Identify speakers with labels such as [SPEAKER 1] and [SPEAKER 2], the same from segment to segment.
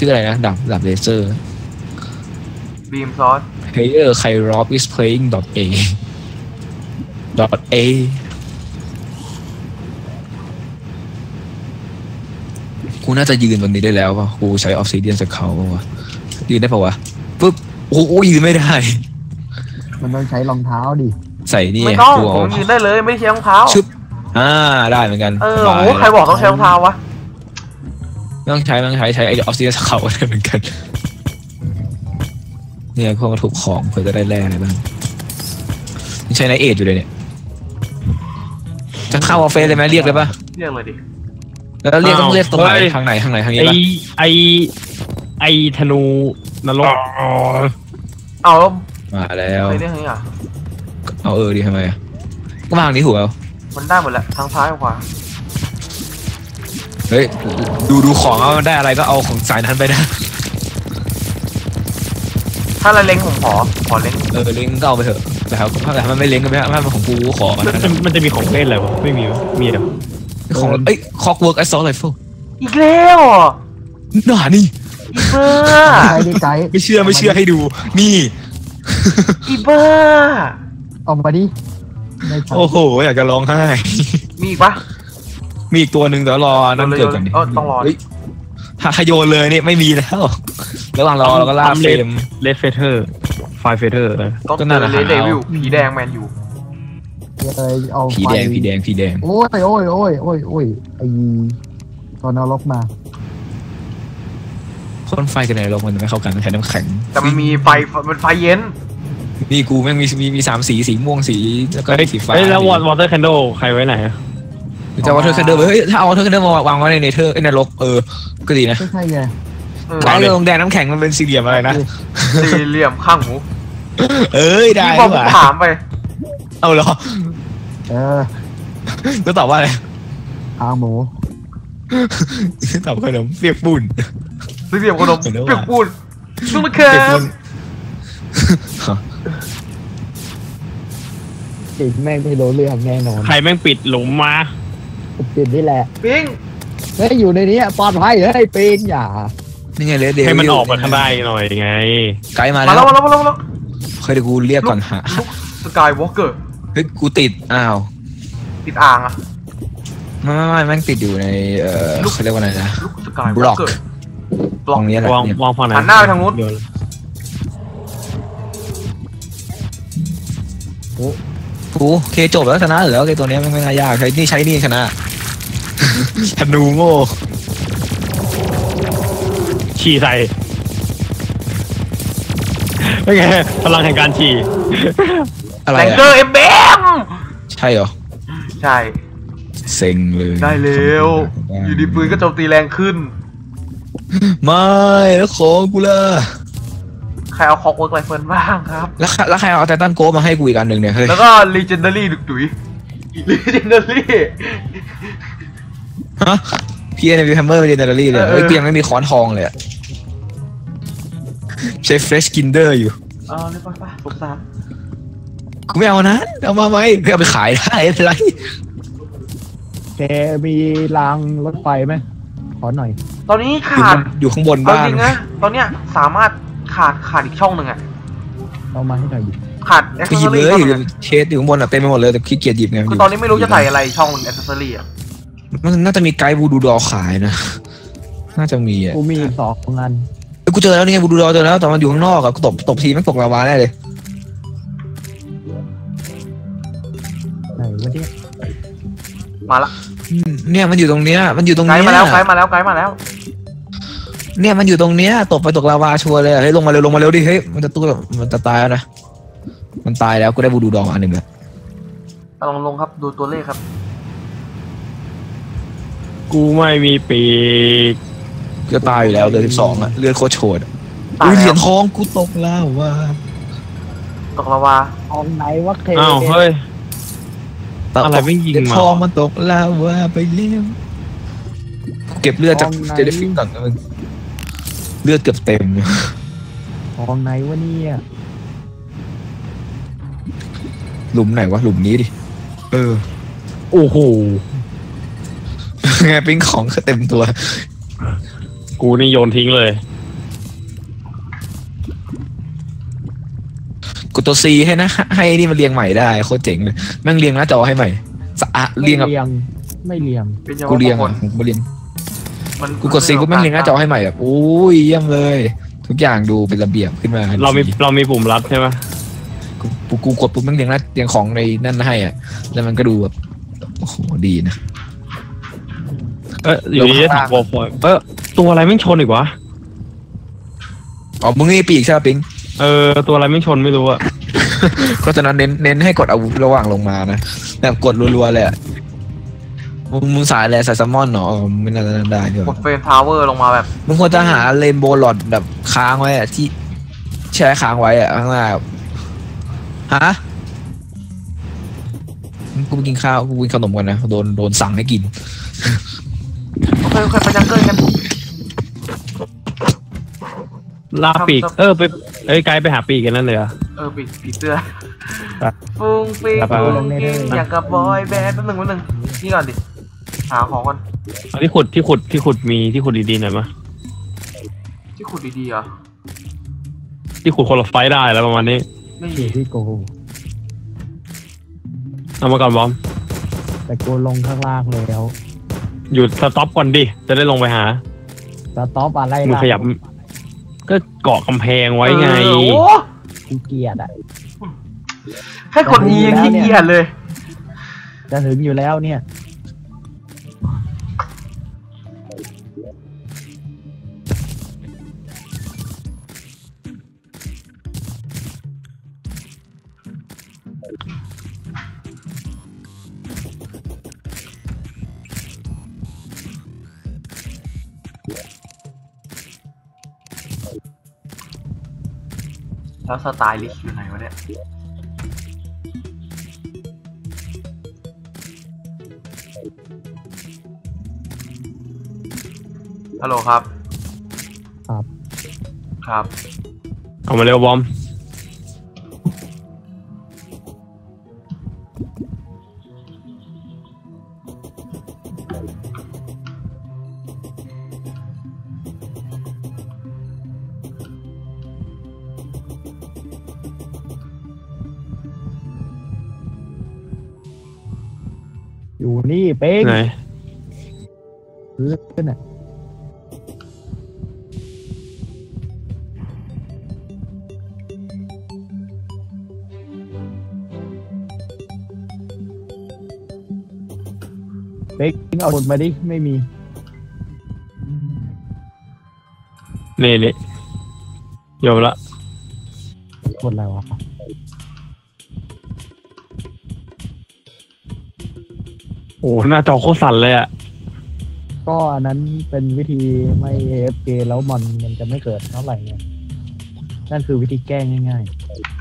[SPEAKER 1] ชื่ออะไรนะดาบเลเซอร์
[SPEAKER 2] บีมซอส
[SPEAKER 1] player Kairos is playing .a .a กูน่าจะยืนบนนี้ได้แล้วป่ะกูใช้ออฟซิเดียนสเกลป่ะวะยืนได้ป่ะวะปุ๊บโอ้โหยืนไม่ได้
[SPEAKER 3] มันต้องใช้รองเท้าดิ
[SPEAKER 1] ใส่นี่
[SPEAKER 2] ไม่ต้องผมยืนได้เลยไม่ได้ใช้รองเท้า
[SPEAKER 1] ชึบได้เหมือนกัน
[SPEAKER 2] โอ้ใครบอกต้องใช้รองเท้าวะ
[SPEAKER 1] ไม่ต้องใช้ไอ้ออฟซิเดียนสเกลได้เหมือนกันเนี่ยพวกมาถูกของเพื่อจะได้แร่อะไรบ้างนี่ใช้ไนเอทอยู่เลยเนี่ยจะเข้าออฟเฟสเลยไหมเรียกเลยป่ะ
[SPEAKER 2] เรียกเลยดิ
[SPEAKER 1] แล้วเรียกต้องเรียกตรงไหนทางไหนทางนี้ป่ะ
[SPEAKER 4] ไอธนูนรก
[SPEAKER 2] เอา
[SPEAKER 1] มาแล้ว
[SPEAKER 2] ไปเรียกไงอ่ะ
[SPEAKER 1] เอาดิทำไมอ่ะก็มาทางนี้ถูกแล้ว
[SPEAKER 2] มันได้หมดแหละทางซ้ายขวา
[SPEAKER 1] เฮ้ยดูของว่ามันได้อะไรก็เอาของสายนั้นไปนะ
[SPEAKER 2] ถ้าเราเล็งผมขอเล็ง
[SPEAKER 1] เล็งก็เอาไปเถอะแต่ถ้ามันไม่เล็งก็ไม่ถ้ามันของกูขอ
[SPEAKER 4] มันจะมีของเล่นอะไรวะไม่มีเหรอ
[SPEAKER 1] ของคอกเวิร์กไอซอลไรเฟิล
[SPEAKER 2] อีกแล้ว
[SPEAKER 1] หนานี่
[SPEAKER 2] อีเบอ
[SPEAKER 1] ร์ไม่เชื่อให้ดูนี่
[SPEAKER 2] อีเบอร์
[SPEAKER 3] ออกมาดิ
[SPEAKER 1] โอ้โหอยากจะร้องไห้
[SPEAKER 2] มีอีกปะ
[SPEAKER 1] มีอีกตัวหนึ่งเดี๋ยวรอนั่นเกิดก่อน
[SPEAKER 2] ต้องรอ
[SPEAKER 1] ถ้าโยนเลยเนี่ยไม่มีแล้วระหว่างรอเราก็ล่าเฟรม
[SPEAKER 4] เลดเฟเธอร์ไฟเฟเธอร์
[SPEAKER 2] ก็นั่นแหละเลดเดวิลผีแดงแมนอยู่
[SPEAKER 1] ผีแดง
[SPEAKER 3] โอ้ยไอ้ตอนนรกมา
[SPEAKER 1] พ่นไฟกันในนรกมันไม่เข้ากันแทนน้ำแข็ง
[SPEAKER 2] แต่มันมีไฟมันไฟเย็น
[SPEAKER 1] นี่กูแม่งมี3สีม่วงสีแล้วก็สีฟ้า
[SPEAKER 4] แล้ววอเตอร์แคนโดใครไว้ไหน
[SPEAKER 1] จะวอเตอร์แคนโดเฮ้ยถ้าเอาวอเตอร์แคนโดมาวางไว้ในเนเธอร์นรกก็ดีนะ
[SPEAKER 3] ใช่ไง
[SPEAKER 1] เอาเลยลงแดงน้ำแข็งมันเป็นสี่เหลี่ยมอะไรนะ
[SPEAKER 2] สี่เหลี่ยมข้างหมู
[SPEAKER 1] ได้
[SPEAKER 2] ที่ผมถามไป
[SPEAKER 1] เอาเหรอก็ตอบว่าอะไร
[SPEAKER 3] ข้างหมู
[SPEAKER 1] ตอบขนมเปียกปูน
[SPEAKER 2] สี่เหลี่ยมขนมเปียกปูนชุ่มมะเขือ
[SPEAKER 3] ปิดแม่งไม่รู้เรื่องแน่นอน
[SPEAKER 4] ใครแม่งปิดหลุมมา
[SPEAKER 3] ปิดนี่แหละ
[SPEAKER 2] ปิง
[SPEAKER 3] เฮ้ยอยู่ในนี้ปลอดภัยเฮ้ยปิงอย่า
[SPEAKER 1] นี่ไงเลยเดี๋ยว
[SPEAKER 4] ให้มันออกมาทางใต้หน่อยไง
[SPEAKER 1] ไกด์มาแล้วเคยดูกูเรียกก่อนฮะ
[SPEAKER 2] สกายวอล์กเกอร์
[SPEAKER 1] เฮ้ยกูติด
[SPEAKER 2] ติดอ่างอะ
[SPEAKER 1] ไม่แม่งติดอยู่ในเขาเรียกว่าอะไรนะ
[SPEAKER 2] บล็อก
[SPEAKER 1] ตรงนี้แหละ
[SPEAKER 4] วางฝั่งไหน
[SPEAKER 2] หันหน้าไปทางนู้น
[SPEAKER 1] กูเคจบแล้วชนะเหรอไอ้ตัวนี้ไม่น่ายากใช้นี่ชนะธนูโง่
[SPEAKER 4] ฉี่ใส่เป็นไงพลังแห่งการฉี่
[SPEAKER 1] อะไร
[SPEAKER 2] แรงเกอร์เบม
[SPEAKER 1] ใช่เหรอ
[SPEAKER 2] ใช่
[SPEAKER 1] เซ็งเลย
[SPEAKER 2] ได้เร็วอยู่ดีปืนก็โจมตีแรงขึ้น
[SPEAKER 1] ไม่แล้วของกูล่ะ
[SPEAKER 2] ใครเอาคอกเวิร์กไรเฟิลบ้างครับ
[SPEAKER 1] แล้วใครเอาไททันโกมาให้กูอีกอันหนึ่งเนี่ย
[SPEAKER 2] แล้วก็ legendary ดุย legendary
[SPEAKER 1] ฮะพี่ในวิวแฮมเมอร์ legendary เลยเพียงไม่มีค้อนทองเลยใช้ fresh kinder อยู่
[SPEAKER 2] นี่ป่ะสงสาร
[SPEAKER 1] กูไม่เอานะเอามาไหมเพื่อเอาไปขายได้อะไร
[SPEAKER 3] แกมีรางรถไฟไหมขอหน่อย
[SPEAKER 2] ตอนนี้ขาด
[SPEAKER 1] อยู่ข้างบนบ้าน
[SPEAKER 2] จริงนะตอนเนี้ยสามารถขาดอีกช่องหนึ่ง
[SPEAKER 3] เอามาให้หน่อย
[SPEAKER 2] ขาด
[SPEAKER 1] ไปหยิบเลยเชสอยู่ข้างบนเต็มไปหมดเลยแต่ขี้เกียจหยิบไง
[SPEAKER 2] คือตอนนี้ไม่รู้จะใส่อะไรช่องแอคเซสซอรี่
[SPEAKER 1] มันน่าจะมีไกด์บูดูดอขายนะน่าจะมี
[SPEAKER 3] กูมี2 อัน
[SPEAKER 1] กูเจอแล้วนี่ไงบูดูดอเจอแล้วแต่มันอยู่ข้างนอกกูตบทีมันตกลาวาแน่เลย
[SPEAKER 3] ไหนวะเนี่ย
[SPEAKER 2] มาละ
[SPEAKER 1] เนี่ยมันอยู่ตรงเนี้ยไกด์
[SPEAKER 2] มาแล้ว
[SPEAKER 1] เนี่ยมันอยู่ตรงเนี้ยตกไปตกลาวาชัวร์เลยเฮ้ยลงมาเร็วดิเฮ้ยมันจะตายแล้วนะมันตายแล้วกูได้บูดูดองอันหนึ่งแล้ว
[SPEAKER 2] ลงครับดูตัวเลขครับ
[SPEAKER 4] กูไม่มีปีก
[SPEAKER 1] จะตายอยู่แล้วเดือน12อ่ะเลือดโคตรโฉดเหรียญทองกูตกลาวา
[SPEAKER 3] ทองไหนวะเค
[SPEAKER 4] เฮ้ยอะไรไม่ยิงมา
[SPEAKER 1] ทองมันตกลาวาไปเลี้ยงเก็บเลือดจากเจลฟิงก่อนนะมึงเลือดเกือบเต็ม
[SPEAKER 3] ทองไหนวะเนี่ย
[SPEAKER 1] หลุมไหนวะหลุมนี้ดิ
[SPEAKER 4] โอ้โห
[SPEAKER 1] ไงปิ้งของเต็มตัว
[SPEAKER 4] กูนี่โยนทิ้งเลย
[SPEAKER 1] ดตัว C ให้นะให้นี่มันเรียงใหม่ได้โคตรเจ๋งเลยแม่งเรียงหน้าจอให้ใหม่สะอาด
[SPEAKER 3] ไม่
[SPEAKER 1] เรียงแบบ
[SPEAKER 3] เรียงไม่เรียง
[SPEAKER 2] เป็นยัง
[SPEAKER 1] กูเรียง
[SPEAKER 2] ค
[SPEAKER 1] อ่ะ
[SPEAKER 2] น
[SPEAKER 1] กูเรียง
[SPEAKER 2] มัน
[SPEAKER 1] กูกด C กูแม่งเรียงหน้าจอให้ใหม่แบบโอ้ยเยี่ยมเลย ทุกอย่างดูเป็นระเบียบขึ้นมา
[SPEAKER 4] เรามีปุ่มลัดใช่ไหม
[SPEAKER 1] กูกดปุ๊บแม่งเรียงของในนั่นให้อ่ะแล้วมันก็ดูแบบโอ้โหดีนะ
[SPEAKER 4] อยู่ดีได้ถักวอลฟอยตัวอะไรไม่งชนอีกวะ
[SPEAKER 1] อ๋อมึงนี่ปีกใช่ไหมปิง
[SPEAKER 4] ตัวอะไรไม่งชนไม่รู้อะ
[SPEAKER 1] เพราะฉะนั้นเน้นให้กดอาวุธระหว่างลงมานะแบบกดรัวๆเลยอะมึงสายอะไรสายซัมมอนเนาะไม่น่าจะได้เดี๋ยว
[SPEAKER 2] กดเฟรมทาวเวอร์ลงมาแบบ
[SPEAKER 1] มึงควรจะหาเรนโบว์หลอดแบบค้างไว้อะที่แช่ค้างไว้อะข้างหน้าฮะกูไปกินข้าวกูกินขนมกันนะโดนสั่งให้กิน
[SPEAKER 2] โอเคไปจังเกิลกัน
[SPEAKER 4] ลาปีกไปไกด์ไปหาปีกกันนั่นเลยอะ
[SPEAKER 2] ปีเสื้อ
[SPEAKER 4] ครับ
[SPEAKER 2] ฟุ้งฟิ้ง
[SPEAKER 4] ครับ
[SPEAKER 2] ฟุ้งฟิ้งอย่างกับบอยแบนด์แป๊บนึงนี่ก่อนดิหาของก่อน
[SPEAKER 4] เอาที่ขุดมีที่ขุดดีๆหน่อยมะ
[SPEAKER 2] ที่ขุดดีๆเหรอ
[SPEAKER 4] ที่ขุดคนละไฟได้แล้วประมาณนี้
[SPEAKER 2] ไม่
[SPEAKER 3] อ
[SPEAKER 2] มี
[SPEAKER 3] ยู่ที่กู
[SPEAKER 4] เอามาก่อนบอม
[SPEAKER 3] แต่กูลงข้างล่างแล้ว
[SPEAKER 4] หยุดสต็อปก่อนดิจะได้ลงไปหา
[SPEAKER 3] สต็อปอะไร
[SPEAKER 4] มึง
[SPEAKER 3] ล่ะ
[SPEAKER 4] ขยับก็เกาะกำแพงไว้ไง
[SPEAKER 2] โอ้
[SPEAKER 3] ขี้เกียจอ่ะ
[SPEAKER 2] แค่กด E ยังขี้เกียจเลย
[SPEAKER 3] จะถึงอยู่แล้วเนี่ย
[SPEAKER 2] แล้วสไตล์ลิสต์อยู่ไหนวะเนี่ยฮัลโหลครับ
[SPEAKER 3] ครับ
[SPEAKER 2] ครับ
[SPEAKER 4] เอามาเร็วบอม
[SPEAKER 3] อยู่นี่เป้ง
[SPEAKER 4] ไหน
[SPEAKER 3] พื้นอ่ะเป้งเอาหมดมาดิไม่มี
[SPEAKER 4] นี่โยมละ
[SPEAKER 3] หมดแล้ววะ
[SPEAKER 4] โอ้หน้าจอโคตรสั่นเลยอะ
[SPEAKER 3] ก็อันนั้นเป็นวิธีไม่ AFK แล้วมันจะไม่เกิดเท่าไหร่ไงนั่นคือวิธีแก้ง่าย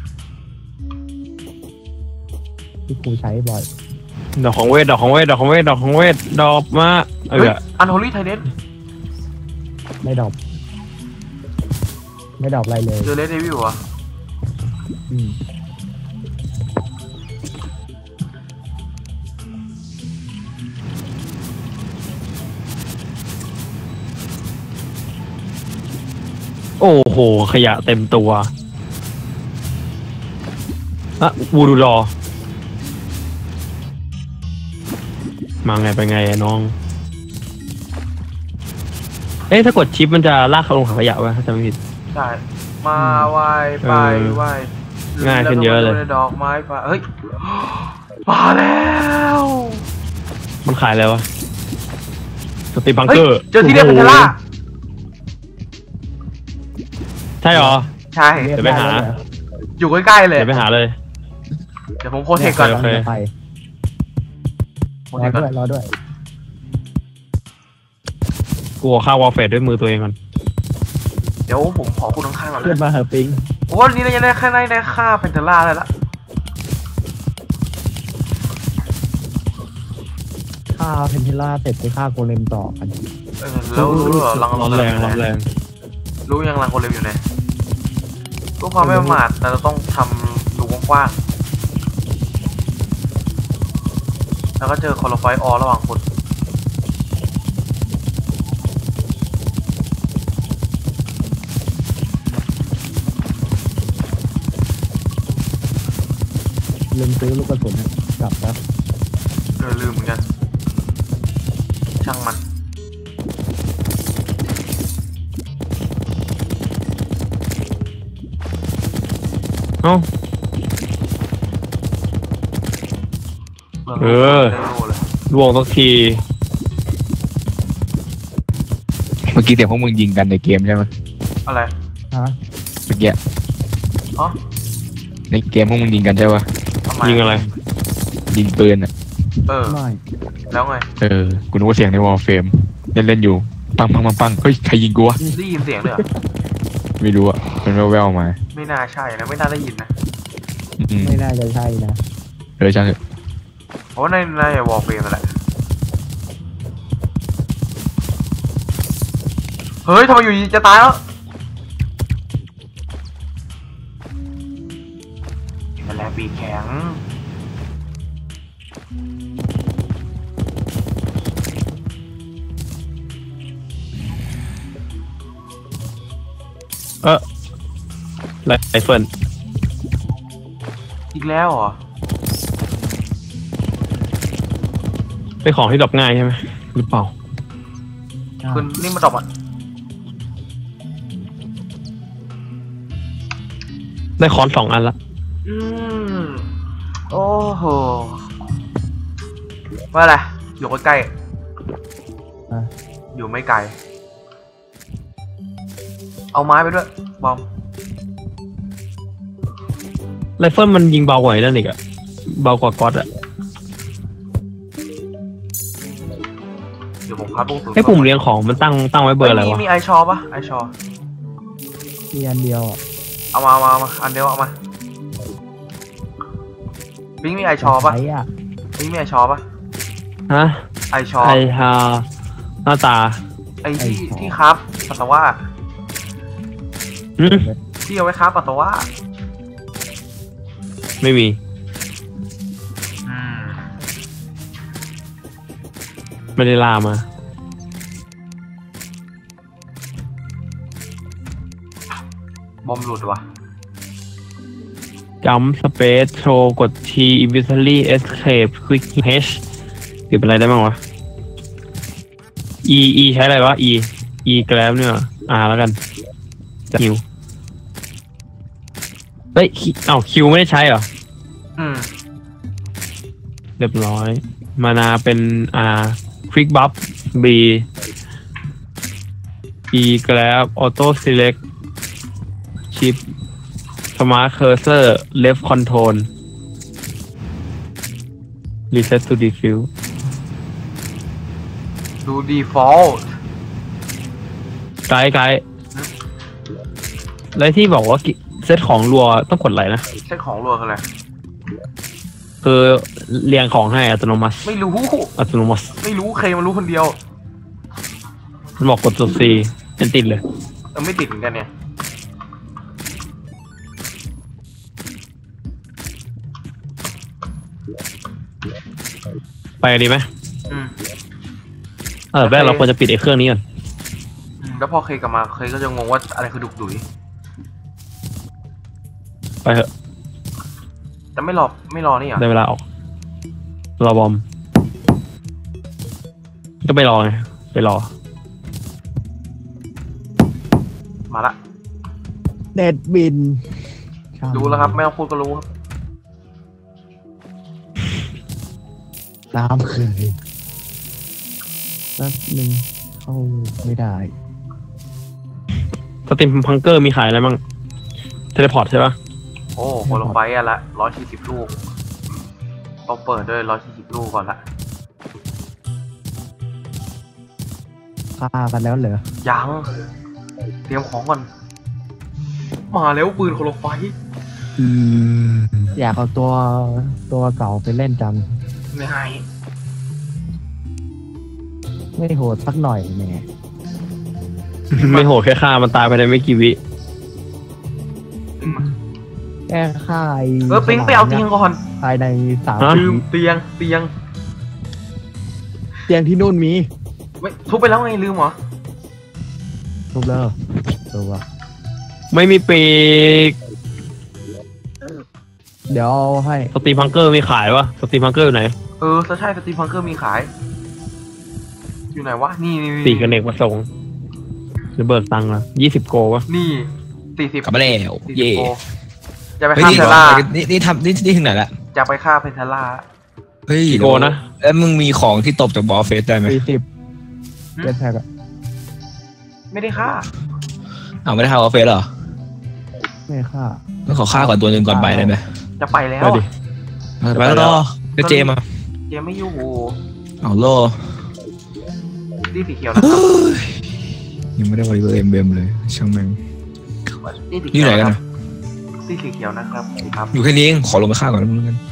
[SPEAKER 3] ๆที่ครูใช้บ่อย
[SPEAKER 4] ดอกของเวทดอกมา
[SPEAKER 2] เฮ้ยอันโฮลี่ไทเดน
[SPEAKER 3] ไม่ดรอปอะไรเลย
[SPEAKER 2] เจอเลดเดวิลอ่ะ
[SPEAKER 3] อืม
[SPEAKER 4] โอ้โหขยะเต็มตัววูดูดอมาไงไปไงอะน้องถ้ากดชิปมันจะลากเขาลงถังขยะไว้ถ้าจำไม่ผิด
[SPEAKER 2] ใช่มาไหวไปไหว
[SPEAKER 4] ง่ายขึ้นเยอะเลย
[SPEAKER 2] ดอกไม้ไฟเฮ้ยมาแล้ว
[SPEAKER 4] มันขายอะไรวะสตีบัง
[SPEAKER 2] เฮ้ย
[SPEAKER 4] เกอร์
[SPEAKER 2] เจอที่เรียกเป็นเทล่า
[SPEAKER 4] ใช่หรอ
[SPEAKER 2] ใช่
[SPEAKER 4] เดี๋ยวไปหา
[SPEAKER 2] อยู่ใกล้ๆเลย
[SPEAKER 4] เดี๋ยวไปหาเลย
[SPEAKER 2] เดี๋ยวผมโคเทคก่อน
[SPEAKER 4] โอเค
[SPEAKER 3] ไป
[SPEAKER 2] โค
[SPEAKER 3] ร
[SPEAKER 2] เท
[SPEAKER 3] อ
[SPEAKER 2] คก่อน
[SPEAKER 3] ด้วยรอด้วย
[SPEAKER 4] กลัวฆ่าวอลเฟดด้วยมือตัวเองก่อน
[SPEAKER 2] เดี๋ยวผมขอคุณข้างๆก่อน
[SPEAKER 3] เพื่อนมาเหอะปิง
[SPEAKER 2] โอ้วันนี้เรายังได้แค่ได้ค่าเป็นเทล่าเลยละ
[SPEAKER 3] ฆ่าเพนทิล่าเสร็จไปฆ่าโกเลมต่อกัน
[SPEAKER 2] แล้วรู้เหรอรัง
[SPEAKER 4] ร้อนแรง
[SPEAKER 2] รู้ยังรังโกเลมอยู่ไหนรู้ความไม่ประมาทแต่เราต้องทำรูกว้างๆแล้วก็เจอคอร์ไฟออระหว่างคน
[SPEAKER 3] ลืมซื้อลูกกระสุนกลับแล้ว
[SPEAKER 2] ลืมเหมือนกันช่างมัน
[SPEAKER 4] เอ้า เออ ล่วงสักที
[SPEAKER 1] เมื่อกี้เดี๋ยวพวกมึงยิงกันในเกมใช่ไหม
[SPEAKER 2] อะไร
[SPEAKER 3] ฮะ
[SPEAKER 1] เมื่อกี้
[SPEAKER 2] อ๋อ
[SPEAKER 1] ในเกมพวกมึงยิงกันใช่ปะ
[SPEAKER 2] ทำไม
[SPEAKER 4] ยิงอะไร
[SPEAKER 1] ยิงปืนอ่ะ
[SPEAKER 3] ไม่
[SPEAKER 2] แล้วไง
[SPEAKER 1] กูนึกว่าเสียงในวอลเฟมเล่นอยู่ปังเฮ้ยใครยิงกูวะ
[SPEAKER 2] ได้ยินเสียงด้วยเหรอ
[SPEAKER 1] ไม่รู้อ่ะมันแว่วๆมา
[SPEAKER 2] ไม่น่าใช่นะไม่น่าได้ยินนะ
[SPEAKER 1] อืม
[SPEAKER 3] ไม่น่าจะใช่นะ
[SPEAKER 1] ช่างเถอะ
[SPEAKER 2] เพราะว่าในวอลเฟรมนั่นแหละเฮ้ยทำไมอยู่ดีจะตายแล้วนั่นแหละปีกแข็ง
[SPEAKER 4] ไรเฟิล
[SPEAKER 2] อีกแล้วเหรอ
[SPEAKER 4] เป็นของที่ดรอปง่ายใช่ไหมหรือเปล่า
[SPEAKER 2] คุณนี่มาดรอปอ่ะ
[SPEAKER 4] ได้ค้อน2 อันละ
[SPEAKER 2] โอ้โหว่าอะไรอยู่ใกล้
[SPEAKER 3] อ่ะ
[SPEAKER 2] ๆอยู่ไม่ไกล เอาไม้ไปด้วยบอม
[SPEAKER 4] ไรเฟิลมันยิงเบากว่าไอ้นั่นอีกอะเบากว่าก๊อตอะ
[SPEAKER 2] เดี๋ยวผมพับลูก
[SPEAKER 4] ไอ้ปุ่มเรียงของมันตั้งไว้เบอร์อะไรวะ
[SPEAKER 2] มีไอชอปะไอชอ
[SPEAKER 3] มีอันเดียวอ่ะ
[SPEAKER 2] เอามาอันเดียวเอามาบิงมีไอชอปะ
[SPEAKER 3] ใช้อ่ะ
[SPEAKER 2] บิงมีไอชอปะ
[SPEAKER 4] ฮะ
[SPEAKER 2] ไอชอ
[SPEAKER 4] ไอฮาหน้าตา
[SPEAKER 2] ไอที่ครับปัสสาวะ
[SPEAKER 4] อืม
[SPEAKER 2] ที่เอาไว้ครับปัสสาวะ
[SPEAKER 4] ไม่มี ไม่ได้ลามา
[SPEAKER 2] บอมหลุดว่ะ
[SPEAKER 4] จัมสเปซโชว์กด T inventory escape quick H หรือเป็นอะไรได้บ้างวะ E ใช้อะไรวะ E grab เนี่ยแล้วกันจะคิวเฮ้ยคิวไม่ได้ใช้เหรอ เรียบร้อย มานาเป็นquick buff B E grab auto select chip smart cursor left control reset to defuse
[SPEAKER 2] ดู default
[SPEAKER 4] ไกด์แล้วที่บอกว่าเซตของรัวต้องกดอะไรนะ
[SPEAKER 2] เซ็ตของรัวคืออะไร
[SPEAKER 4] คือเรียงของให้อัตโนมัติ
[SPEAKER 2] ไม่รู้
[SPEAKER 4] อัตโนมัติ
[SPEAKER 2] ไม่รู้เคมันรู้คนเดียว
[SPEAKER 4] มันบอกกดตัว C เป็นติดเลย
[SPEAKER 2] ไม่ติดเหมือนกันเนี่ย
[SPEAKER 4] ไปดีไหม
[SPEAKER 2] อืม
[SPEAKER 4] แรกเราควรจะปิดไอ้เครื่องนี้ก่อน
[SPEAKER 2] แล้วพอเคยกลับมาเคยก็จะงงว่าอะไรคือดุกดุย
[SPEAKER 4] ไปเถอะ
[SPEAKER 2] แต่ไม่รอนี่เหรอ
[SPEAKER 4] ได้เวลาออกรอบอม ก็ไปรอไงไปรอ
[SPEAKER 2] มาละ
[SPEAKER 3] เน็ตบิน
[SPEAKER 2] รู้แล้วครับไม่ต้องพูดก็รู้ครับ
[SPEAKER 3] ตามเคยแป๊บนึงเข้าไม่ได้
[SPEAKER 4] สติมพังเกอร์มีขายอะไรบ้างเทเลพอร์ตใช่ปะ
[SPEAKER 2] โอ้โหลงไปอ่ะละ140 ลูกต้องเปิดด้วย140 ลูกก่อนละ
[SPEAKER 3] ฆ่ากันแล้วเหรอ
[SPEAKER 2] ยังเตรียมของก่อน มาแล้วปืนโคโลไฟ
[SPEAKER 3] อยากเอาตัวเก่าไปเล่นจัง
[SPEAKER 2] ไม่ให้
[SPEAKER 3] ไม่โหดสักหน่อยแหม
[SPEAKER 4] ไม่โหดแค่ฆ่ามันตายไปในไม่กี่วิ
[SPEAKER 3] แค่ฆ่าไอ้
[SPEAKER 2] ปิ๊งไปเอาเตียงก่อน
[SPEAKER 3] ภายใน3
[SPEAKER 4] ฮะ
[SPEAKER 2] ลืมเตียง
[SPEAKER 3] เตียงที่นู่นมี
[SPEAKER 2] ไม่ทุบไปแล้วไงลืมเหรอ
[SPEAKER 3] ทุบแล้วตัว
[SPEAKER 4] ไม่มีปีก
[SPEAKER 3] มเดี๋ยวเอาให้
[SPEAKER 4] สตรีมพังเกอร์มีขายวะสตรีมพังเกอร์อยู่ไหน
[SPEAKER 2] ใช่สตรีมพังเกอร์มีขาย อยู่ไหนวะนี่
[SPEAKER 4] สี่กระเนกประสงค์จะเบิกตังค์ละ20 โกวะ
[SPEAKER 2] นี่40
[SPEAKER 1] กลับมาแล้ว
[SPEAKER 2] 40
[SPEAKER 1] เย่
[SPEAKER 2] โกจะไป
[SPEAKER 1] เฮ้ย
[SPEAKER 2] ฆ่า
[SPEAKER 1] นี่
[SPEAKER 2] เทล่า
[SPEAKER 1] นี่ทำนี่ถึงไหนละ
[SPEAKER 2] จะไปฆ่าเพนเทล่า
[SPEAKER 1] เฮ้ย
[SPEAKER 4] กี่โกนะ
[SPEAKER 1] แล้วมึงมีของที่ตบจากบอสเฟสได้ไหม
[SPEAKER 3] 40เจ็ดแพ็กอะ
[SPEAKER 2] ไม่ได้ฆ่า
[SPEAKER 1] เอาไม่ได้ทำบอสเฟสเหรอ
[SPEAKER 3] ไม่ค่า
[SPEAKER 1] ต้องขอฆ่าก่อนตัวหนึ่งก่อนไปได้ไหม
[SPEAKER 2] จะไปแล้ว
[SPEAKER 4] ไปดิ
[SPEAKER 1] ไปแล้วรอเดี๋ยวเจมา
[SPEAKER 2] เจไม่อยู่
[SPEAKER 1] เอาโล
[SPEAKER 2] รีสีเขียวนะครับ
[SPEAKER 1] ยังไม่ได้วอลเลย์เบมเลยช่างแม่ง
[SPEAKER 2] รีสี
[SPEAKER 1] นี่
[SPEAKER 2] เขียว
[SPEAKER 1] ไหนกัน
[SPEAKER 2] นะ
[SPEAKER 1] นะ
[SPEAKER 2] รีสีเขียวนะครับครับ
[SPEAKER 1] อยู่แค่นี้เองขอลงไปฆ่าก่อนแล้วมึงกัน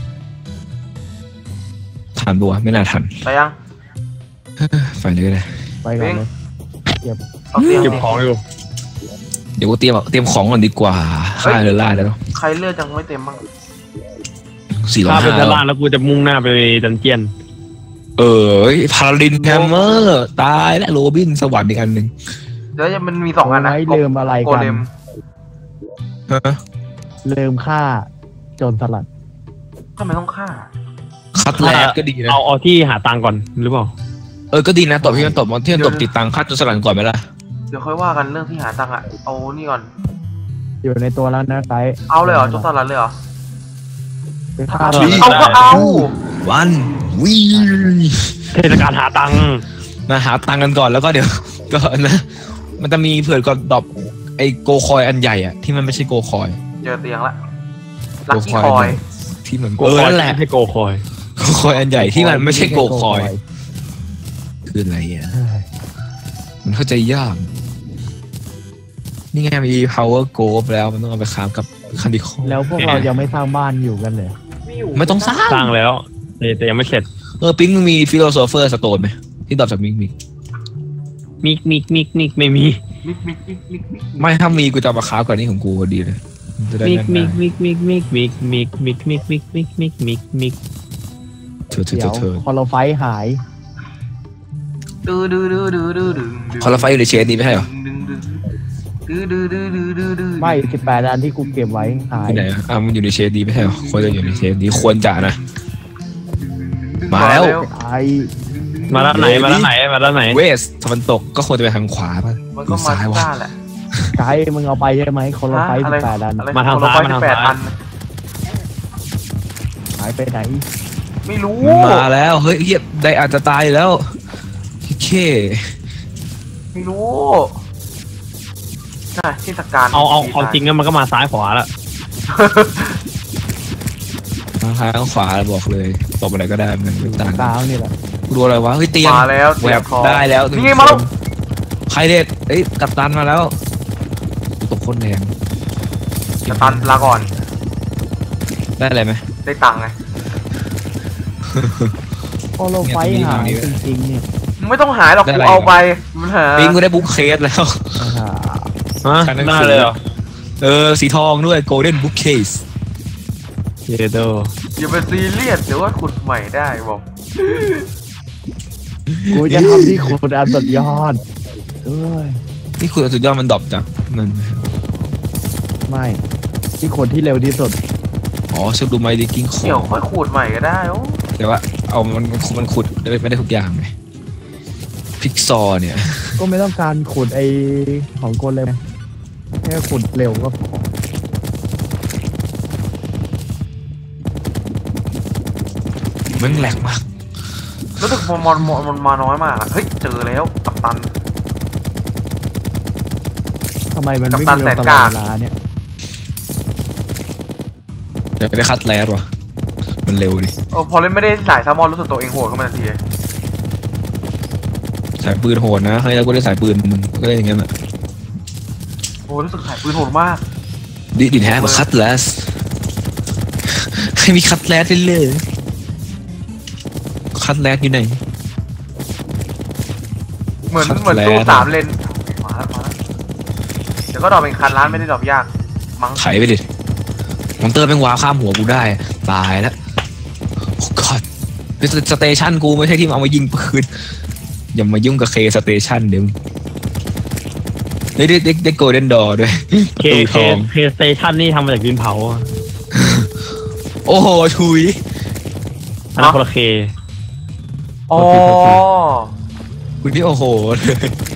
[SPEAKER 1] ทันปะวะไม่น่าทัน
[SPEAKER 2] ไปยัง
[SPEAKER 1] ไฟเลยก็ได้
[SPEAKER 3] ไปก่อนเลย
[SPEAKER 2] เอาเตียง
[SPEAKER 4] เก็บของอยู่
[SPEAKER 1] เดี๋ยวกูเตรียมของก่อนดีกว่าฆ่าเรือล่าได้แล้ว
[SPEAKER 2] ใครเลือดยังไม่เต็มบ้าง
[SPEAKER 4] ถ้าเป็นต
[SPEAKER 1] 405
[SPEAKER 4] ลาดแล้วกูจะมุ่งหน้าไปดันเจียน
[SPEAKER 1] พาราดินแฮมเมอร์ตายและโรบินสวรรค์อีกอันหนึ่ง
[SPEAKER 2] แล้วมันมี2 อันนะ
[SPEAKER 3] ไว้ลืมอะไร
[SPEAKER 2] โก
[SPEAKER 3] กัน
[SPEAKER 2] เลม
[SPEAKER 1] ฮะ
[SPEAKER 3] ลืมฆ่าโจรสลัด
[SPEAKER 2] ทำไมต้องฆ่า
[SPEAKER 1] คัดแรกก็ดีนะ
[SPEAKER 4] เอาที่หาตังค์ก่อนหรือเปล่า
[SPEAKER 1] ก็ดีนะตบที่มันตบที่มันตบติดตังค่าจนสลัดก่อนไหมล่ะ
[SPEAKER 2] เดี๋ยวค่อยว่ากันเรื่องที่หาตังค์อะเอานี่ก่อน
[SPEAKER 3] อยู่ในตัวแล้วนะไกด์
[SPEAKER 2] เอาเลยเหรอโจรสลัดเลยเหรอ
[SPEAKER 3] ไปฆ่า
[SPEAKER 4] เอา
[SPEAKER 3] เรา
[SPEAKER 2] เอาก็เอา
[SPEAKER 1] วันวี
[SPEAKER 4] เทศกาลหาตังค์
[SPEAKER 1] มาหาตังกันก่อนแล้วก็เดี๋ยว ก็นะมันจะมีเผื่อก่อนดรอปไอโกคอยอันใหญ่อะที่มันไม่ใช่โกคอย
[SPEAKER 2] เจอเตียงละลักกี้คอย
[SPEAKER 1] ที่มัน
[SPEAKER 4] โกคอย
[SPEAKER 1] นั่นแหละ
[SPEAKER 4] ให้โกคอย
[SPEAKER 1] โกคอยอันใหญ่ที่มันไม่ใช่โกคอยคืออะไรอ่ะ
[SPEAKER 3] เฮ้ย
[SPEAKER 1] มันเข้าใจยากนี่ไงมี power g o แล้วมันต้องเอาไปค้ากับคันดิคอ
[SPEAKER 3] แล้วพวกเรายังไม่สร้างบ้านอยู่กันเลย
[SPEAKER 1] ไม่ต้องสร้าง
[SPEAKER 4] สร้างแล้วแต่ยังไม่เสร็จ
[SPEAKER 1] ปิ๊งมึงมี philosopher stone ไหมที่ดรอปจากมิก
[SPEAKER 4] มิกไม่มี
[SPEAKER 2] มิก
[SPEAKER 1] ไม่ถ้ามีกูจะเอามาค้าก่อนนี่ของกูพอดีเลยจะได้
[SPEAKER 4] มิก
[SPEAKER 1] แน่น เธอ
[SPEAKER 3] เดี๋ยวคอลไฟหาย
[SPEAKER 2] ดื้อ
[SPEAKER 1] คอร์ไฟอยู่ในเชนนี้ไม่ใช่เหรอ
[SPEAKER 3] ไม่18อันที่กูเก็บไว้หาย
[SPEAKER 1] ที่ไหนมันอยู่ในเชนนี้ไม่ใช่เหรอควรจะอยู่ในเชนนี้ควรจะนะมาแล้ว
[SPEAKER 3] ไอ้
[SPEAKER 4] มาแล้วไหน
[SPEAKER 1] เวสตะวันตกก็ควรจะไปทางขวาป่ะ
[SPEAKER 2] มันก็มาที่บ้านแหละ
[SPEAKER 3] ไกด์มึงเอาไปใช่ไหมคอลไฟ18อัน
[SPEAKER 4] มาทางซ้าย
[SPEAKER 2] 18 อัน
[SPEAKER 3] หายไปไหน
[SPEAKER 2] ไม่รู้
[SPEAKER 1] มาแล้วเฮ้ยเฮียได้อาจจะตายแล้วเค
[SPEAKER 2] ไม่รู้น่ะที่สการ
[SPEAKER 4] เอาจริงแล้วมันก็มาซ้ายขวาแล้ว
[SPEAKER 1] ทางซ้ายทางขวาบอกเลยตบอะไรก็ได้มันไม่ต่าง
[SPEAKER 3] กลางนี่แหละ
[SPEAKER 1] กูดูอะไรวะเฮ้ยเตียง
[SPEAKER 2] มาแล้ว
[SPEAKER 1] แหวบได้แล้ว
[SPEAKER 2] นี่ไงมาแล้ว
[SPEAKER 1] ใครเด็ดเอ้ยกัปตันมาแล้วตกโคตรแรง
[SPEAKER 2] จะตันลาก่อน
[SPEAKER 1] ได้อะไรไหม
[SPEAKER 2] ได้ตังค์ไง
[SPEAKER 3] คอลไฟหายจริงๆเนี่ย
[SPEAKER 2] มึงไม่ต้องหายหรอกกูเอาไปมันหา
[SPEAKER 1] ปิงกูได้บุ๊กเคสแล้ว
[SPEAKER 4] น่าเลยเหรอ
[SPEAKER 1] สีทองด้วย golden bookcase
[SPEAKER 4] เยโด
[SPEAKER 2] อย่าไปซีเรียสเดี๋ยวว่าขุดใหม่ได้บอก
[SPEAKER 3] กูจะทำที่ขุดอันสุดยอดเอ้ย
[SPEAKER 1] นี่คุณสุดยอดมันดรอปจากมัน
[SPEAKER 3] ไม่ที่ขุดที่เร็วที่สุด
[SPEAKER 1] อ๋อชอบดูไมดิกิ้งขอ
[SPEAKER 2] เดี๋ยว
[SPEAKER 1] ง
[SPEAKER 2] ค่อยขุดใหม่ก็ได้โอ้
[SPEAKER 1] แต่ว่าเอามันขุดไม่ได้ทุกอย่างไงพิกซอเนี่ย
[SPEAKER 3] ก็ไม่ต้องการขุดไอของโกเลมแค่ขุดเร็วก็พอ
[SPEAKER 1] มันแหลกมาก
[SPEAKER 2] รู้สึกมันมาน้อยมากอะเฮ้ยเจอแล้วกัปตัน
[SPEAKER 3] ทำไมมันไม่
[SPEAKER 2] กัปตัน
[SPEAKER 3] มี
[SPEAKER 2] แสน
[SPEAKER 3] ตล
[SPEAKER 2] ก
[SPEAKER 3] อ
[SPEAKER 2] ล้า
[SPEAKER 3] ดเวลาเนี่ย
[SPEAKER 1] เดี๋ยวไปคัดแลสว่ะมันเร็วดิ
[SPEAKER 2] พอเล่นไม่ได้สายแซลมอนรู้สึกตัวเองโหดขึ้นมาทันที
[SPEAKER 1] สายปืนโหดนะเฮ้ยแล้วกูได้สายปืนมึงก็ได้อย่างเงี้ยแหละ
[SPEAKER 2] โอ้รู้สึกสายปืนโหดมาก
[SPEAKER 1] ดินแฮมาคัดแลสให้มีคัดแลสเลยคัดแลสอยู่ไหน
[SPEAKER 2] เหมือน
[SPEAKER 1] คัด
[SPEAKER 2] ตู้
[SPEAKER 1] แล้ว
[SPEAKER 2] 3 เลนมาแล้วเดี๋ยวก็ดรอปเป็นคันร้านไม่ได้ดรอปยากมั้ง
[SPEAKER 1] ไถไปดิมอนเตอร์แม่งว้าข้ามหัวกูได้ตายแล้วโอ้กอดสเตชันกูไม่ใช่ที่เอามายิงปืนอย่ามายุ่งกับเคสเตชันเดี๋ยวได้โกลเด้นดอร์ด้วย
[SPEAKER 4] เคสเตชันนี่ทำมาจากดินเผา
[SPEAKER 1] โอ้โหชุย
[SPEAKER 4] อันนั้นคนละเค
[SPEAKER 2] อ๋อ
[SPEAKER 1] คุณนี่โอ้โหเลย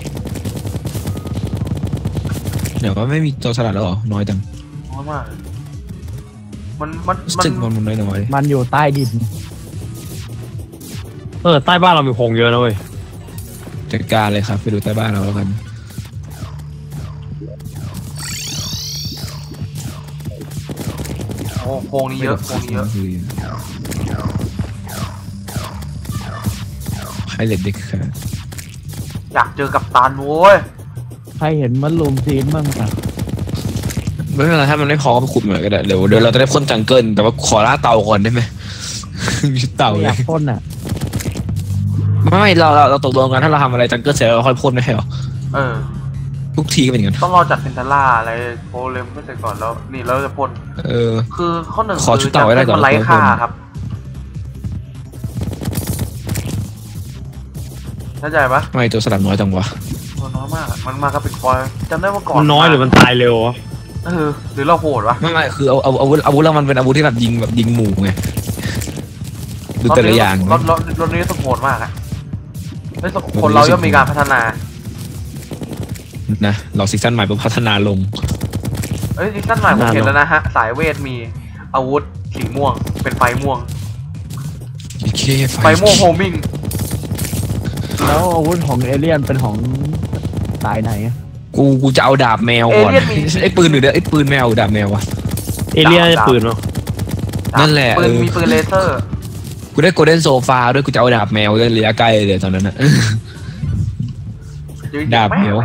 [SPEAKER 1] เดี๋ยวว่าไม่มีตัวสลัดแล้วเหรอน้อยจัง
[SPEAKER 2] น้อยมากมัน
[SPEAKER 1] จึงมันน้อย
[SPEAKER 3] มันอยู่ใต้ดิน
[SPEAKER 4] ใต้บ้านเรามีพงเยอะนะเว้ย
[SPEAKER 1] จัดการเลยครับไปดูใต้บ้านเราแล้วกัน
[SPEAKER 2] โอ้โค้งนี้เยอะโค้งนี้เยอะ
[SPEAKER 1] ไฮเลดเด็กค่ะ
[SPEAKER 2] อยากเจอกับตันโว้ย
[SPEAKER 3] ใครเห็นมันลูมซีนบ้างอ่ะ
[SPEAKER 1] ไม่เป็นไรถ้ามันไม่พอก็ไปขุดเหมือนก็ได้เดี๋ยวเราจะได้พ่นจังเกิลแต่ว่าขอล่าเต่าก่อนได้ไหม มีเต่า
[SPEAKER 3] ไม่
[SPEAKER 1] เล
[SPEAKER 3] อย ยากพ่นอ่ะ
[SPEAKER 1] ไม่เราตกลงกันถ้าเราทำอะไรจังเกิลเสร็จเราค่อยพ่นไม่ใช่หรอ
[SPEAKER 2] เออ
[SPEAKER 1] ทุกทีก็เป็นอย่างนั้น
[SPEAKER 2] ต้องรอจัดเพนทาร่าอะไรโปรเลมไม่เสร็จก่อนแล้วนี่เราจะพ่น
[SPEAKER 1] เออ
[SPEAKER 2] คือข้อหนึ่ง
[SPEAKER 1] ขอชุดเต่าไว้ได้ก่อน
[SPEAKER 2] มันไร้ค่าครับเข้าใจปะ
[SPEAKER 1] ทำไมตัวสลัดน้อยจังวะ
[SPEAKER 2] มันน้อยมากมันมากับเป็นคอยจำได้ว่าก่อน
[SPEAKER 4] มันน้อยหรือมันตายเร็ววะ
[SPEAKER 2] หรือเราโหดวะ
[SPEAKER 1] ไม่คือเอาอาวุธแล้วมันเป็นอาวุธที่แบบยิงหมู่ไงดูแต่ละอย่าง
[SPEAKER 2] รถนี้สมโหดมากอะแล้วคนเราย่อมมีการพัฒนา
[SPEAKER 1] นะเราซีซั่นใหม่ปุ๊บพัฒนาลง
[SPEAKER 2] ซีซั่นใหม่ผมเห็นแล้วนะฮะสายเวทมีอาวุธสีม่วงเป็นไฟม่วง
[SPEAKER 1] เค
[SPEAKER 2] ไฟม่วงโฮมิง
[SPEAKER 3] แล้วอาวุธของเอเลี่ยนเป็นของสายไหนอะ
[SPEAKER 1] กูจะเอาดาบแมวก่อนไอ้ปืนหรือไอ้ปืนแมวดาบแมววะ
[SPEAKER 4] เอเลี่ยนปืนเนาะ
[SPEAKER 1] นั่นแหละ
[SPEAKER 2] ปืนมีปืนเลเซอร์
[SPEAKER 1] กูได้โกลเด้นโซฟาด้วยกูจะเอาดาบแมวด้วยระยะใกล้เลยตอนนั้นนะ ดาบแมว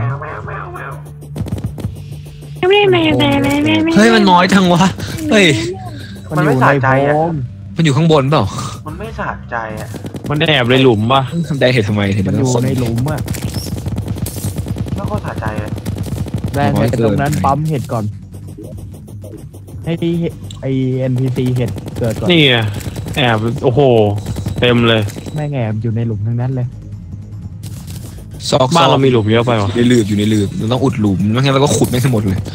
[SPEAKER 1] เฮ้ยมันน้อยจังวะเฮ้ย
[SPEAKER 2] มันไม่สะใจอะ
[SPEAKER 1] มันอยู่ข้างบนเปล่า
[SPEAKER 2] มันไม่สะใจอะ
[SPEAKER 4] มันแอบในหลุมป่ะ
[SPEAKER 1] ทำได้เหตุทำไมเห็น
[SPEAKER 3] มัน
[SPEAKER 1] แล้
[SPEAKER 3] อ
[SPEAKER 1] ว
[SPEAKER 3] ยู่
[SPEAKER 1] คน
[SPEAKER 3] ในหลุมอ่ะ
[SPEAKER 2] แล้วก็สะใจอะ
[SPEAKER 3] แรงไปตรงนั้นปั๊มเห็ดก่อน ให้ที่ไอ NPC เห็ดเกิดก่อน
[SPEAKER 4] นี่ไงแอบโอ้โหเต็มเลย
[SPEAKER 3] แม่งแอบอยู่ในหลุมทั้งนั้นเลย
[SPEAKER 1] ซอก
[SPEAKER 4] บ้านเรามีหลุมเยอะไปวะ
[SPEAKER 1] อยู่ในหลืบเราต้องอุดหลุมไม่งั้นเราก็ขุดไม่ทั้งหมดเลย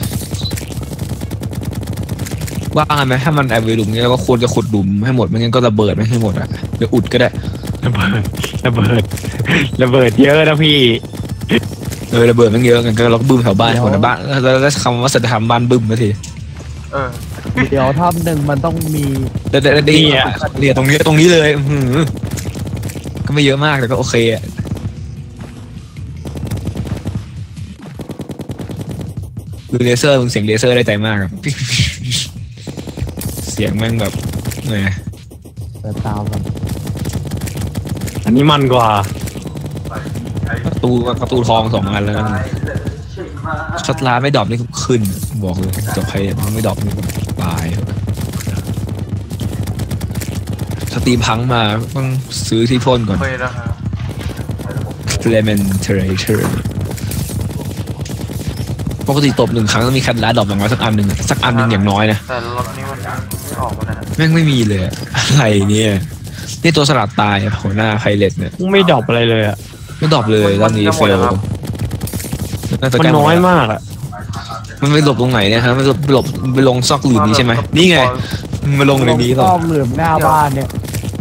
[SPEAKER 1] ว่าไงไหมถ้ามันแอบในหลุมนี้เราก็ควรจะขุดหลุมให้หมดไม่งั้นก็ระเบิดไม่ให้หมดอ่ะเดี๋ยวอุดก็ได้
[SPEAKER 4] ระเบิดเยอะนะพี่
[SPEAKER 1] ระเบิดมันเยอะกันก็เราก็บึ้มแถวบ้านคนละบ้านแล้วได้คำว่าสัจธรรมบ้านบึ้มมาที
[SPEAKER 3] เดี๋ยวถ้ำหนึ่งมันต้องมี
[SPEAKER 1] แต่ดีอ่ะเนี่ยตรงนี้เลยก็ไม่เยอะมากแต่ก็โอเคอ่ะดูเลเซอร์มึงเสียงเลเซอร์ได้ใจมากครับ เสียงแม่งแบบไง
[SPEAKER 3] เปิดตาก่อน
[SPEAKER 4] อันนี้มันกว่า
[SPEAKER 1] ประตูทอง2 อันแล้วกันช็อตลาไม่ดรอปนี่ขึ้นบอกเลยจบใครไม่ดรอปนี่ตายสตรีมพังมาต้องซื้อที่พ่นก่อน
[SPEAKER 2] เคยนะครับ
[SPEAKER 1] Clementerator ปกติตบ1 ครั้งต้องมีแคทลาดรอปอย่างน้อยสักอันหนึ่งอย่างน้อยนะ
[SPEAKER 2] แต่รถนี้มันไม่ออกมานะ
[SPEAKER 1] แม่งไม่มีเลยอะไรเนี่ยนี่ตัวสลัดตายหัวหน้าไพเรตเนี่ย
[SPEAKER 4] ไม่ดรอปอะไรเลยอ่ะ
[SPEAKER 1] ไม่ดรอปเลยรอบนี้เฟล
[SPEAKER 4] มันน้อยมากอ่ะ
[SPEAKER 1] มันไปหลบตรงไหนเนี่ยฮะมันหลบไปลงซอกหลืมนี้ใช่ไหมนี่ไงมันมาลงในนี้หรอ
[SPEAKER 3] ต้องเหลือมหน้าบ้านเนี่ย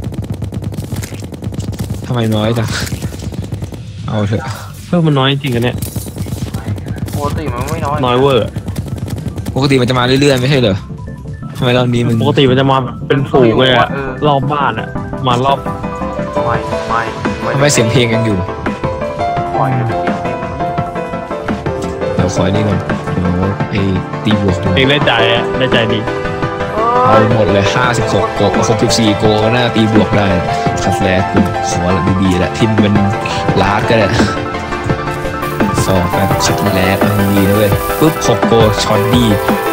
[SPEAKER 1] ทำไมน้อยจังเอาเถอะ
[SPEAKER 4] มันน้อยจริงกันเนี่ย
[SPEAKER 2] ปกติมันไม่น้อย
[SPEAKER 4] น้อยเวอร์
[SPEAKER 1] ปกติมันจะมาเรื่อยๆไม่ใช่เหรอทำไมรอบนี้มัน
[SPEAKER 4] ปกติมันจะมาเป็นฝูงเลยอะรอบบ้านอะมารอบ
[SPEAKER 1] ทำไมเสียงเพลงยังอยู่
[SPEAKER 2] ปล่อยให้มันเสียงเพลง
[SPEAKER 1] เดี๋ยวคอยนี่ก่อนเดี๋ยวไอ้ตีบวกดู
[SPEAKER 4] เองได้ใจอะได้ใจดี
[SPEAKER 1] เอาหมดเลย56 โก64 โกก็น่าตีบวกได้คัดแรกคุณขอละดีๆแหละทิมเป็นลาดก็ได้2 แบบคัดแรกดีนะเว้ยปุ๊บ6 โกช็อตดี